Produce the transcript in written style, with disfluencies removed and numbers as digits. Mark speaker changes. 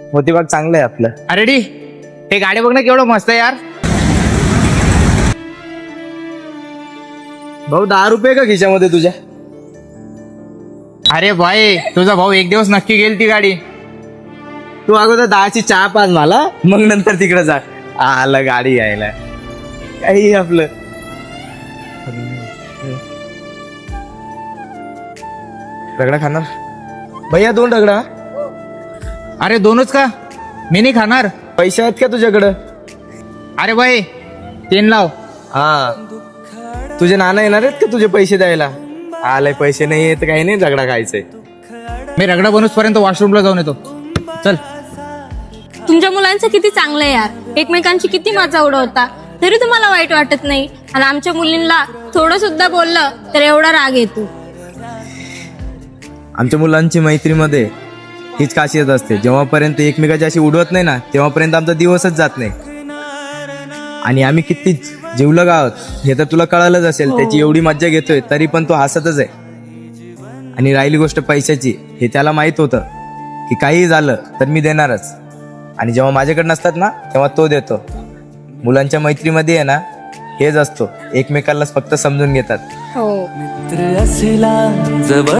Speaker 1: मोतीबाग चांगलं आहे आपलं.
Speaker 2: अरे डी हे गाडी बघ ना केवढं मस्त आहे यार.
Speaker 1: भाऊ 10 रुपये का खिशामध्ये तुझ्या?
Speaker 2: अरे भाई तुझा भाऊ एक दिवस नक्की घेईल ती गाडी.
Speaker 1: तू अगोदर 10ची चहा पाज मला, मग नंतर तिकडे जा. आलं गाडी यायला काही आपलं. रगडा खाणार भैया? 2 रगडा.
Speaker 2: अरे 2च का? मी नाही खाणार.
Speaker 1: पैसे आहेत का तुझ्याकडं?
Speaker 2: अरे भाई 3 लाव.
Speaker 1: हा तुझे नाना येणार आहेत का तुझे पैसे द्यायला? आलंय पैसे नाही येत काही नाही, रगडा खायचंय.
Speaker 2: मी रगडा बनूस पर्यंत वॉशरूमला जाऊन येतो. चल.
Speaker 3: तुमच्या मुलांचं किती चांगलं आहे यार, एकमेकांची किती मजा उडवता तरी तुम्हाला वाईट वाटत नाही. आणि आमच्या मुलींना थोडं सुद्धा बोललं तर एवढा राग येतो.
Speaker 1: आमच्या मुलांची मैत्रीमध्ये हीच खासियत असते, जेव्हापर्यंत एकमेकाची अशी उडवत नाही ना तेव्हापर्यंत आमचा दिवसच जात नाही. आणि आम्ही किती जीवलग आहोत हे तर तुला कळालंच असेल. त्याची एवढी मज्जा घेतोय तरी पण तो हसतच आहे. आणि राहिली गोष्ट पैशाची, हे त्याला माहित होतं की काही झालं तर मी देणारच. आणि जेव्हा माझ्याकडे नसतात ना तेव्हा तो देतो. मुलांच्या मैत्रीमध्ये आहे ना हेच असतो, एकमेकांना फक्त समजून घेतात.
Speaker 3: हो.
Speaker 4: मित्र असला जवळ